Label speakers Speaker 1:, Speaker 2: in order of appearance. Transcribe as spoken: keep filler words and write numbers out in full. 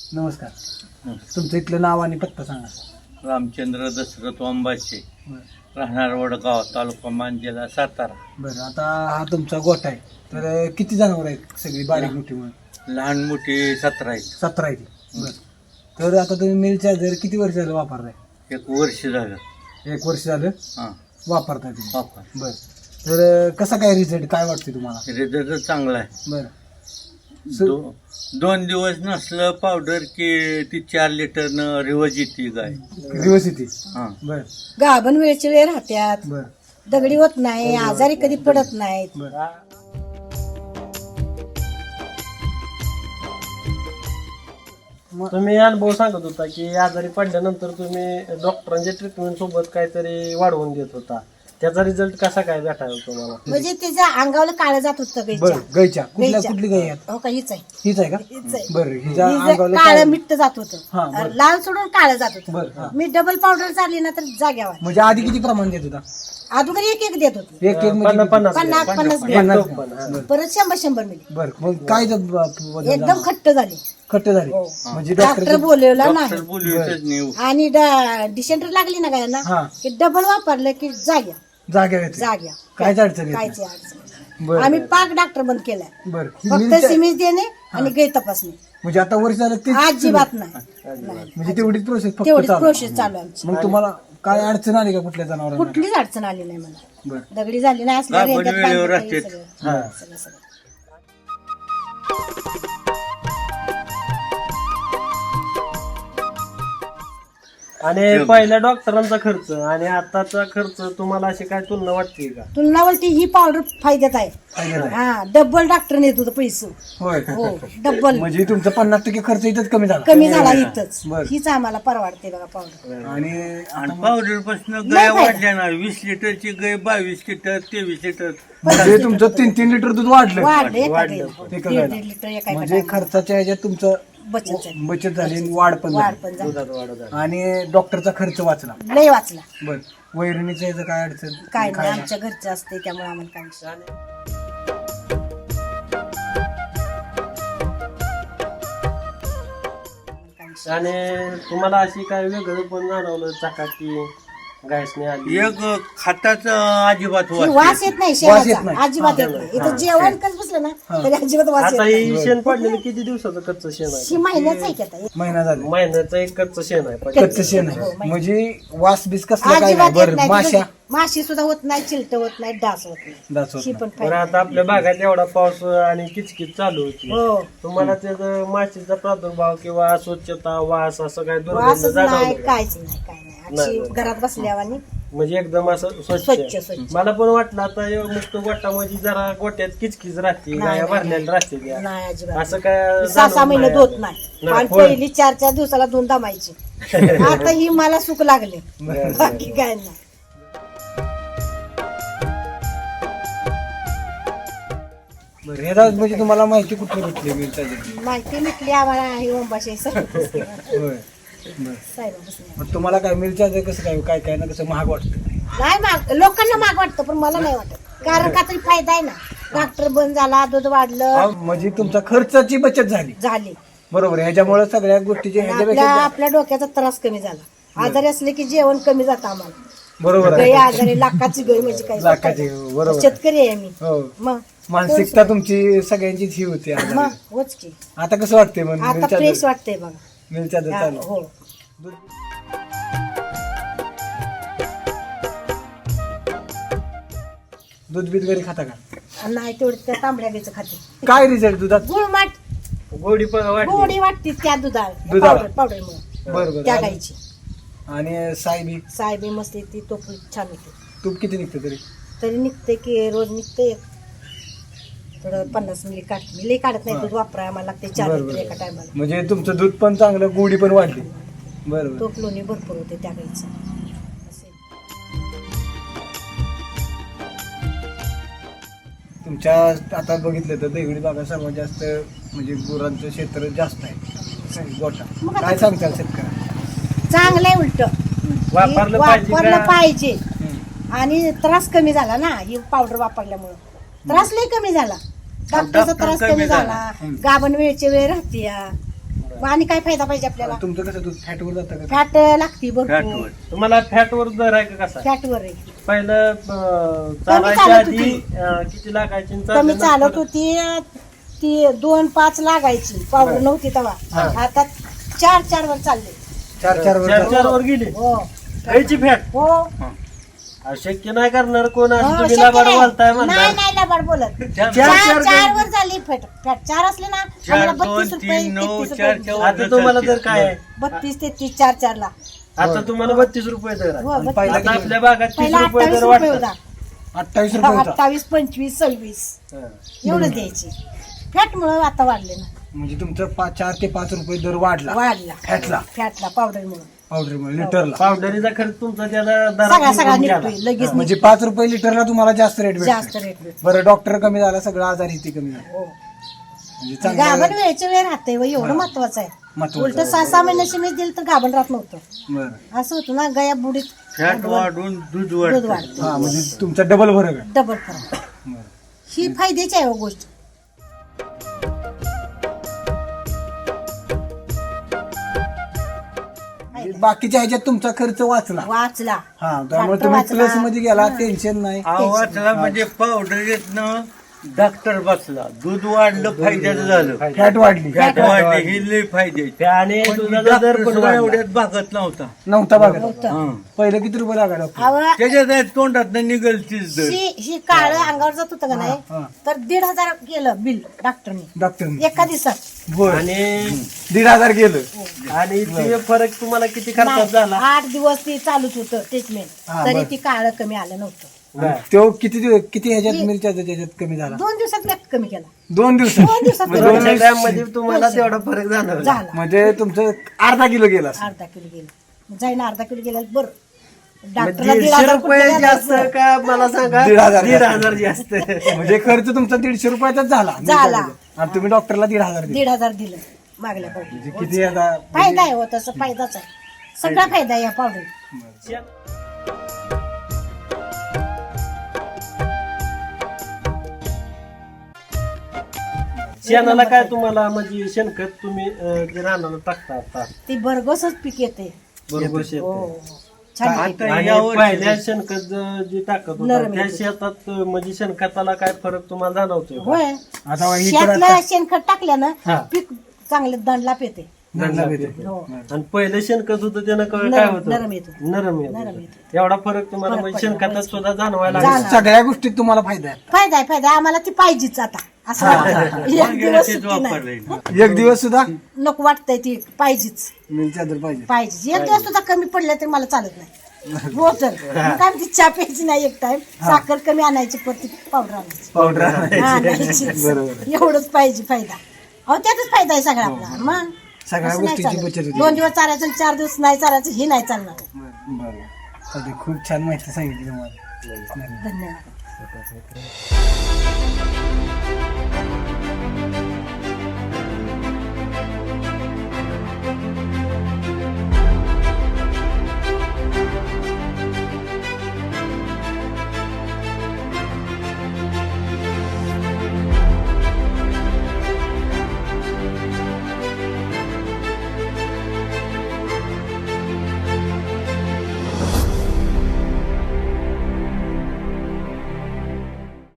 Speaker 1: नमस्कार. तुमचं इथलं नाव आणि पत्ता सांगा.
Speaker 2: रामचंद्र दशरथ वांबाचे,
Speaker 1: बरं
Speaker 2: राहणार वडगाव, तालुका मान, जिल्हा सातारा.
Speaker 1: बरं आता हा तुमचा गोठा आहे, तर किती जनावर आहेत सगळी बारीक मोठी म्हणून?
Speaker 2: लहान मोठी सतरा आहेत.
Speaker 1: सतरा आहेत. बरं, तर आता तुम्ही मिल चार्जर किती वर्ष झालं वापरताय?
Speaker 2: एक वर्ष झालं.
Speaker 1: एक वर्ष झालं
Speaker 2: हां
Speaker 1: वापरताय तुम्ही?
Speaker 2: वापर.
Speaker 1: बरं, तर कसा काय रिझल्ट काय वाटते तुम्हाला?
Speaker 2: रिझल्ट चांगला आहे.
Speaker 1: बरं,
Speaker 2: दो, दोन दिवस नसलं पावडर की ती चार लिटरनं रिवज येते गाय.
Speaker 1: दिवस येते.
Speaker 2: हां
Speaker 1: बरं
Speaker 3: गाभण वेळचे वेळ राहत्यात,
Speaker 1: बरं
Speaker 3: दगडी होत नाही, आजारी कधी पडत नाहीत.
Speaker 1: बरं.
Speaker 4: तुम्ही अनुभव सांगत होता की आजारी पडल्यानंतर तुम्ही डॉक्टरांच्या ट्रीटमेंट सोबत काहीतरी वाढवून देत होता, त्याचा रिझल्ट कसा काय भेटायला तुम्हाला?
Speaker 3: म्हणजे त्याच्या अंगावर काळं जात होतं
Speaker 1: बरं,
Speaker 3: गायच्या.
Speaker 1: गायच्या कुठल्या
Speaker 3: गायच्या.
Speaker 1: कुठली गाय आहेत?
Speaker 3: हो का, हीच आहे.
Speaker 1: हीच आहे का?
Speaker 3: हीच आहे.
Speaker 1: बरं, हिच्या अंगावर
Speaker 3: काळं
Speaker 1: काय-
Speaker 3: मिट्ट जात
Speaker 1: हा,
Speaker 3: होतं,
Speaker 1: बरं.
Speaker 3: लाल सोडून काळं जात
Speaker 1: बरं, हा.
Speaker 3: होतं. मी डबल पावडर चालली ना तर जाग्यावर.
Speaker 1: म्हणजे आधी किती प्रमाण देत होता?
Speaker 3: अगोदर एक एक देत होते,
Speaker 1: एक एक म्हणजे
Speaker 4: पन्नास
Speaker 1: किती?
Speaker 4: पन्नास
Speaker 3: पन्नास पन्नास
Speaker 4: एक
Speaker 3: ग्रॅम.
Speaker 4: टोप पण, हा.
Speaker 3: परत शंभर शंभर मिली.
Speaker 1: बरं, मग काय जब- बदल
Speaker 3: एकदम
Speaker 1: झाला?
Speaker 3: खट्ट झाली.
Speaker 1: खट्ट झाली
Speaker 3: हो.
Speaker 1: म्हणजे
Speaker 3: डॉक्टर
Speaker 1: डॉक्टर
Speaker 3: बोलवला
Speaker 2: डॉक्टर
Speaker 3: नाही.
Speaker 2: बोलवीतच नाही.
Speaker 3: आणि डिसेंटर लागली ना गायांना
Speaker 1: हा.
Speaker 3: की डबल वापरलं की जाग्या
Speaker 1: जाग्या येते.
Speaker 3: जाग्या
Speaker 1: कायच अडचण येत
Speaker 3: कायची
Speaker 1: नाही.
Speaker 3: अडचण.
Speaker 1: बरं,
Speaker 3: आम्ही
Speaker 1: बरं.
Speaker 3: पाक डॉक्टर बंद केलाय.
Speaker 1: बरं, ही
Speaker 3: फक्त
Speaker 1: मिलच्या-
Speaker 3: सिमेज देणे आणि गाय तपासणी.
Speaker 1: म्हणजे आता वर्ष झालं ते
Speaker 3: अजिबात नाही नाही.
Speaker 1: म्हणजे तेवढीच प्रोसेस फक्त
Speaker 3: तेवढीच
Speaker 1: चालू.
Speaker 3: प्रोसेस चालू आहे आमची.
Speaker 1: मग तुम्हाला काय अडचण आली का कुठल्या जनावरांना?
Speaker 3: कुठलीच अडचण आली नाही मला.
Speaker 1: बरं,
Speaker 3: दगडी झाली नाही असल्या
Speaker 2: गाभण
Speaker 3: रेंगात
Speaker 2: वेळेवर
Speaker 3: बांधलं तरी
Speaker 2: असते.
Speaker 3: सगळं.
Speaker 1: हा.
Speaker 3: सगळं सगळं.
Speaker 4: आणि पहिल्या डॉक्टरांचा खर्च आणि आताचा खर्च तुम्हाला अशी काय तुलना वाटते का?
Speaker 3: तुला बोलते ही पावडर फायद्यात आहे.
Speaker 1: फायद्यात आहे.
Speaker 3: हा, डबल डॉक्टर नेत होतं पैसे.
Speaker 1: होय.
Speaker 3: हो, डबल
Speaker 1: म्हणजे तुमचं पन्नास टक्के खर्च इथंच कमी झाला.
Speaker 3: कमी झाला इथंच.
Speaker 1: बरं.
Speaker 3: हीच आम्हाला परवडते बघा पावडर.
Speaker 1: आणि
Speaker 2: आणि पावडर पासून
Speaker 3: लय
Speaker 2: गाय
Speaker 3: फायदा.
Speaker 2: वाढल्या ना. वीस लिटरची गाय बावीस लिटर तेवीस लिटर.
Speaker 1: म्हणजे तुमचं तीन तीन लिटर दूध वाढलं.
Speaker 3: वाढलं एका
Speaker 4: वाढलं.
Speaker 3: गाईला.
Speaker 1: एका
Speaker 3: दीड
Speaker 1: गाईला.
Speaker 3: दीड लिटर एका
Speaker 1: म्हणजे
Speaker 3: एका टायमाला.
Speaker 1: खर्चाच्या ह्याच्यात तुमचं
Speaker 3: बचत झाली.
Speaker 1: बचत झाली आणि वाढ पण
Speaker 3: वाढ
Speaker 1: झाली.
Speaker 3: पण झाली.
Speaker 4: दुधात वाढ झाली.
Speaker 1: आणि डॉक्टरचा खर्च वाचला.
Speaker 3: लय वाचला.
Speaker 1: बर, वैरणीचं याचं काय अडचण?
Speaker 3: काय नाही,
Speaker 1: खायला?
Speaker 3: आमच्या घरचं असते त्यामुळे आम्हाला काय विषय. काय विषय.
Speaker 4: आणि तुम्हाला अशी काय वेगळं पण जाणवलं चाका की गायसने आली?
Speaker 2: एक खाताचं अजिबात
Speaker 3: ही
Speaker 2: वास
Speaker 3: वास
Speaker 2: येत
Speaker 3: येत नाही
Speaker 1: वास येत
Speaker 3: शेणाचा,
Speaker 1: नाही.
Speaker 3: अजिबात येत नाही. इथं जेवण कसं बसलं ना तरी अजिबात वास येत
Speaker 4: आता
Speaker 3: नाही.
Speaker 4: ही शेण पडलेलं किती दिवसाचं कच्चं शेण
Speaker 3: ही
Speaker 4: आहे?
Speaker 3: महिन्याच आहे की आता.
Speaker 1: महिना झाला.
Speaker 4: महिन्याचं एक कच्चं शेण आहे.
Speaker 1: कच्चं शेण
Speaker 3: हो,
Speaker 1: आहे
Speaker 3: माहिती.
Speaker 1: म्हणजे वास बीस कसला काय
Speaker 3: अजिबात
Speaker 1: नाही.
Speaker 3: येत
Speaker 1: बरं,
Speaker 3: नाही.
Speaker 1: माशा
Speaker 3: तिथं माशी सुद्धा होत नाही, चिलट होत नाही, डास होत नाही.
Speaker 1: दास होत
Speaker 3: ही
Speaker 1: नाही.
Speaker 3: पण
Speaker 4: बरं,
Speaker 3: फायदा.
Speaker 4: आता आपल्या भागात एवढा पाऊस आणि किचकिच चालू होती,
Speaker 3: हो,
Speaker 4: तुम्हाला त्याचं माशीचा प्रादुर्भाव किंवा अस्वच्छता वास असं काय दुर्गंध
Speaker 3: वासच नाही,
Speaker 4: जाणवलं का?
Speaker 3: काहीच नाही, काय नाही.
Speaker 4: नाही,
Speaker 3: अशी घरात बसल्यावानी
Speaker 4: म्हणजे एकदम असं
Speaker 3: स्वच्छ,
Speaker 4: स्वच्छ.
Speaker 3: स्वच्छ.
Speaker 4: मला पण वाटलं आता हे मुक्त गोठामध्ये जरा गोट्यात किचकिच राहते,
Speaker 3: नाही,
Speaker 4: गाया
Speaker 3: नाही,
Speaker 4: भरलेल्या राहते त्या.
Speaker 3: नाही अजिबात.
Speaker 4: असं काय
Speaker 3: सहा सहा
Speaker 4: जाणवलं
Speaker 3: महिने
Speaker 4: नाही
Speaker 3: धुत
Speaker 4: आता?
Speaker 3: नाही.
Speaker 4: नाही,
Speaker 3: आणि
Speaker 4: होय.
Speaker 3: पहिली चार चार दिवसाला दोन दमायची. आता ही मला सुख लागले,
Speaker 4: बरं,
Speaker 3: बाकी काय नाही.
Speaker 1: बरं, ह्याला म्हणजे तुम्हाला माहिती कुठली भेटली मिळता
Speaker 3: माहिती मिटली आम्हाला ही ओंबाशी साहेब.
Speaker 1: होय. बरं,
Speaker 3: साहेबापासून.
Speaker 1: मग तुम्हाला काय मिळच्या कसं काय काय काय ना कसं महाग वाटतं?
Speaker 3: नाही माग लोकांना माग वाटतं पण मला नाही वाटत, कारण का तरी फायदा आहे ना. डॉक्टर बंद झाला, दूध वाढलं,
Speaker 1: हा, म्हणजे तुमचा खर्चाची बचत झाली.
Speaker 3: झाली.
Speaker 1: बरोबर, ह्याच्यामुळे सगळ्या गोष्टीची
Speaker 3: आपल्या
Speaker 1: ह्याच्यापेक्षा
Speaker 3: आपल्या डोक्याचा त्रास कमी झाला. आजारी असले की जेवण कमी जातं आम्हाला.
Speaker 1: बरोबर
Speaker 3: गाय
Speaker 1: आहे.
Speaker 3: आजारी लाखाची गाय म्हणजे काय
Speaker 1: लाखाची, बरोबर.
Speaker 3: शेतकरी आहे मी.
Speaker 1: हो,
Speaker 3: मग
Speaker 1: मानसिकता तुमची सगळ्यांचीच ही होती आजारी.
Speaker 3: मग होच की.
Speaker 1: आता कसं वाटतंय मग
Speaker 3: आता
Speaker 1: मिलच्या
Speaker 3: फ्रेश वाटतंय बघा.
Speaker 1: मिलच्या
Speaker 3: हा,
Speaker 1: चालू
Speaker 3: हो.
Speaker 1: दूध- दूध बीत घरी खाता का?
Speaker 3: नाही तेवढं त्या तांबड्या गायचं खाते.
Speaker 1: काय रिझल्ट दुधात?
Speaker 3: गुळमाट
Speaker 4: गोडी पण वाटली.
Speaker 3: गोडी वाटते त्या दुधा
Speaker 1: दुधाला?
Speaker 3: पावडर पावडरमुळे
Speaker 1: बरोबर.
Speaker 3: त्या गायची.
Speaker 1: आणि सायबी
Speaker 3: साहेबी मस्त येते, तो पण छान येते.
Speaker 1: तूप किती निघतं तरी?
Speaker 3: तरी निघते की रोज निघते थोडं पन्नास मिली काढते. मी लई काढत नाही, दूध वापराय आम्हाला लागते चार
Speaker 1: बरोबर.
Speaker 3: लिटर एका टायमाला.
Speaker 1: म्हणजे तुमचं दूध पण चांगलं, गोडी पण वाढली. बरोबर.
Speaker 3: तोप लोणी भरपूर होते त्या गाईचं. असे.
Speaker 1: तुमच्या आता बघितलं तर देगडी भागात सर्वात जास्त म्हणजे गुरांचं क्षेत्र जास्त आहे, गोठा. काय सांगताल शेतकऱ्यांना?
Speaker 3: चांगलं आहे उलट
Speaker 4: वापरलं पाहिजे
Speaker 3: वापरलं
Speaker 4: का?
Speaker 3: पाहिजे.
Speaker 1: हम्म.
Speaker 3: आणि त्रास कमी झाला ना ही पावडर वापरल्यामुळं. त्रास लई कमी झाला. डॉक्टरचा
Speaker 2: डॉक्टर
Speaker 3: त्रास
Speaker 2: कमी
Speaker 3: कमी
Speaker 2: झाला.
Speaker 3: झाला.
Speaker 1: हम्म.
Speaker 3: गाभण वेळचे वेळ राहते या. आणि काय फायदा पाहिजे आपल्याला
Speaker 1: तुमचं कसं दूध फॅटवर जातं का
Speaker 3: फॅट लागती भरपूर
Speaker 2: फॅटवर
Speaker 4: तुम्हाला फॅटवर दर आहे का कसा
Speaker 3: फॅटवर आहे
Speaker 4: पहिलं अं, चालायच्या
Speaker 3: चालत
Speaker 4: आधी
Speaker 3: होती.
Speaker 4: अं, किती लागायची आणि
Speaker 3: कमी
Speaker 4: चालल्यानंतर?
Speaker 3: चालत होती ती दोन पाच लागायची पावडर नव्हती तेव्हा आता चार चार वर चालले
Speaker 1: चार चार वर
Speaker 4: चार
Speaker 1: जातं?
Speaker 4: चार वर गेली
Speaker 3: हो
Speaker 4: खायची फॅट
Speaker 3: हो
Speaker 4: शक्य नाही करणार कोण असं
Speaker 3: हो,
Speaker 4: तुम्ही
Speaker 3: शक्य
Speaker 4: लाबाड
Speaker 3: नाही.
Speaker 4: बोलताय
Speaker 3: नाही
Speaker 4: म्हणणार
Speaker 3: नाही लबाड बोलत
Speaker 2: चार-
Speaker 3: चार
Speaker 4: चार
Speaker 3: चार वर झाली फॅट फॅट चार असले ना
Speaker 2: चार
Speaker 3: आम्हाला
Speaker 2: दोन
Speaker 3: बत्तीस रुपये
Speaker 2: तीन नऊ
Speaker 3: तेहतीस
Speaker 2: चार
Speaker 3: रुपये
Speaker 2: चार
Speaker 4: आता तुम्हाला दर काय आहे
Speaker 3: बत्तीस तेहतीस चार चार ला
Speaker 4: आता तुम्हाला बत्तीस रुपये दर आहे
Speaker 3: हो,
Speaker 1: आणि
Speaker 3: बत्तीस.
Speaker 1: पहिला
Speaker 4: आता
Speaker 1: किती?
Speaker 4: आपल्या भागात तीस
Speaker 3: पहिला
Speaker 4: रुपये
Speaker 3: अठ्ठावीस
Speaker 4: दर
Speaker 3: रुपये
Speaker 4: वाटतात
Speaker 3: होता
Speaker 1: अठ्ठावीस रुपये होता
Speaker 3: अठ्ठावीस पंचवीस सव्वीस
Speaker 4: हा.
Speaker 3: एवढंच द्यायची फॅट मुळे आता वाढले ना
Speaker 1: म्हणजे तुमचं पाच चार ते पाच रुपये दर वाढला
Speaker 3: वाढला
Speaker 1: फॅटला
Speaker 3: फॅटला पावडर मुळे
Speaker 1: पावडर लिटरला
Speaker 4: पावडरीचा खर्च तुमचा त्याला
Speaker 3: सगळा
Speaker 4: दरात
Speaker 3: सगळा
Speaker 4: निघून
Speaker 3: निघतोय
Speaker 4: गेला.
Speaker 3: लगेच
Speaker 1: म्हणजे पाच रुपये लिटरला तुम्हाला जास्त रेट
Speaker 3: जास्त
Speaker 1: भेटतो
Speaker 3: रेट भेटतो
Speaker 1: बरं डॉक्टर कमी झाला सगळं आजारी ते कमी झालं
Speaker 3: हो
Speaker 1: म्हणजे
Speaker 3: गाभण
Speaker 1: चांगलं
Speaker 3: वेळेच्या वेळ राहते व एवढं महत्वाचं आहे
Speaker 1: महत्वाचं
Speaker 3: उलट सहा सहा महिन्याची मी दिलं तर गाभण राहत नव्हतं
Speaker 1: बरं
Speaker 3: असं होतं ना गया बुडीत
Speaker 2: फॅट वाढून दूध
Speaker 3: दूध
Speaker 2: वाढतं
Speaker 3: वाढतं
Speaker 1: हा म्हणजे तुमचा डबल फरक आहे
Speaker 3: डबल फरक
Speaker 1: बरं.
Speaker 3: ही फायद्याची आहे हो गोष्ट
Speaker 1: म्हणजे बाकीच्या ह्याच्यात तुमचा खर्च वाचला
Speaker 3: वाचला
Speaker 1: हा त्यामुळे
Speaker 3: डॉक्टर
Speaker 1: तुम्ही
Speaker 3: वाचला.
Speaker 1: प्लस मध्ये गेला टेन्शन नाही
Speaker 2: आवाजला म्हणजे पावडर येतनं डॉक्टर बसला दूध वाढलं फायद्याचं झालं
Speaker 1: फॅट वाढली
Speaker 2: फॅट वाढली ही लई फायद्याची
Speaker 4: आणि
Speaker 2: पण
Speaker 4: तुझा
Speaker 2: डॉक्टर
Speaker 4: दर पण
Speaker 2: सुद्धा
Speaker 4: वाढला.
Speaker 2: एवढ्यात भागत नव्हता
Speaker 1: नव्हता बघा
Speaker 3: नव्हतं.
Speaker 2: हं.
Speaker 1: पहिले किती रुपये लागा डॉक्टर
Speaker 3: अहो,
Speaker 2: त्याच्यात तोंडात निघलतीच दर
Speaker 3: ही ही काळ अंगावर जात होतं का
Speaker 1: हा.
Speaker 3: नाही तर दीड हजार केलं बिल डॉक्टरने
Speaker 1: डॉक्टर
Speaker 3: एका दिवसात
Speaker 1: बर
Speaker 4: आणि
Speaker 1: दीड हजार गेलं
Speaker 4: आणि ते फरक तुम्हाला किती खर्चात
Speaker 3: नाही,
Speaker 4: झाला
Speaker 3: आठ दिवस ती चालूच होतं ट्रीटमेंट
Speaker 1: हा,
Speaker 3: तरी
Speaker 1: बरं.
Speaker 3: ती काळ कमी आलं नव्हतं
Speaker 1: तो किती दिवस किती ह्याच्यात मिरच्याचा त्याच्यात कमी झाला
Speaker 3: दोन दिवसात मी कमी केला
Speaker 1: दोन दिवस
Speaker 3: दोन दिवसात
Speaker 1: म्हणजे
Speaker 3: कमी
Speaker 1: दोन
Speaker 3: केला.
Speaker 4: दोनशे ग्रॅम मध्ये तुम्हाला तेवढा फरक जाणवला
Speaker 3: झाला
Speaker 1: म्हणजे तुमचं अर्धा किलो गेला असेल.
Speaker 3: अर्धा किलो गेलं जाईन अर्धा किलो गेला बरं
Speaker 4: मग
Speaker 3: डॉक्टरला दीड
Speaker 4: दीडशे
Speaker 3: हजार
Speaker 4: रुपये
Speaker 3: कुठं
Speaker 4: जास्त
Speaker 3: द्यायचं?
Speaker 4: का मला सांगा
Speaker 1: दीड हजार
Speaker 4: दीड
Speaker 1: जास्त.
Speaker 4: हजार जास्त
Speaker 1: म्हणजे खर्च तुमचा दीडशे रुपयाचाच झाला
Speaker 3: झाला.
Speaker 1: आणि तुम्ही डॉक्टरला दीड हजार दिले
Speaker 3: दीड हजार दिलं मागल्या
Speaker 1: म्हणजे
Speaker 3: पावडर
Speaker 1: किती आता
Speaker 3: फायदा आहे हो तसं फायदाच आहे सगळा फायदा आहे या पावडर
Speaker 4: शेणाला काय तुम्हाला म्हणजे शेणखत तुम्ही अं, जे रानाला टाकता आता
Speaker 3: ती भरघोसच पीक येते
Speaker 4: बरोबर
Speaker 3: हो
Speaker 4: शेत
Speaker 3: हो. छान
Speaker 2: आता
Speaker 3: येते.
Speaker 4: आणि
Speaker 2: यावर
Speaker 4: पहिल्या शेणखत ज- जे टाकत होता
Speaker 3: नरम
Speaker 4: त्या
Speaker 3: येते.
Speaker 4: शेतात अं, म्हणजे शेणखताला काय फरक तुम्हाला जाणवतोय का?
Speaker 3: होय
Speaker 1: आता ही तर
Speaker 3: शेतलं
Speaker 1: आता-
Speaker 3: शेणखत टाकल्यानं
Speaker 4: हा.
Speaker 3: पीक चांगले दंडलाप येते
Speaker 1: धंदा भेटेल.
Speaker 3: हो
Speaker 4: आणि पहिलं शेणखत होतं त्यानं काय काय
Speaker 3: नरम-
Speaker 4: होतं
Speaker 3: नरम येतं.
Speaker 4: नरम
Speaker 3: नरम
Speaker 4: येत
Speaker 3: येतं.
Speaker 4: एवढा फरक तुम्हाला
Speaker 3: फरक
Speaker 4: म्हणजे
Speaker 3: पडला,
Speaker 4: शेणखतात
Speaker 3: होयच.
Speaker 4: सुद्धा जाणवायला
Speaker 3: जाणवलं.
Speaker 4: लागला.
Speaker 1: सगळ्या गोष्टीत तुम्हाला फायदा आहे
Speaker 3: फायदा आहे फायदा आहे. आम्हाला ती पाहिजेच आता असं वाटतं. एक दिवस
Speaker 2: तेच
Speaker 3: सुट्टी नाही.
Speaker 2: वापरलंय
Speaker 1: एक दिवस सुद्धा
Speaker 3: नको वाटतंय ती पाहिजेच
Speaker 1: मिरच्या दर पाहिजे
Speaker 3: पाहिजे एक दिवस सुद्धा कमी पडलं तरी मला चालत नाही हो तर मग काय ती चहा प्यायची नाही एक टाइम साखर कमी आणायची परत पावडर आणायची
Speaker 1: पावडर
Speaker 3: हा, आणायची.
Speaker 1: बरोबर
Speaker 3: एवढंच पाहिजे फायदा अहो त्यातच फायदा आहे सगळा आपला मग
Speaker 1: सगळ्या
Speaker 3: असं नाही
Speaker 1: गोष्टीची
Speaker 3: चालत.
Speaker 1: बचत होती
Speaker 3: दोन दिवस चालायचं आणि चार दिवस नाही चालायचं हे नाही चालणार
Speaker 1: बरोबर चालतंय. खूप छान माहिती सांगितली तुम्हाला
Speaker 3: धन्यवाद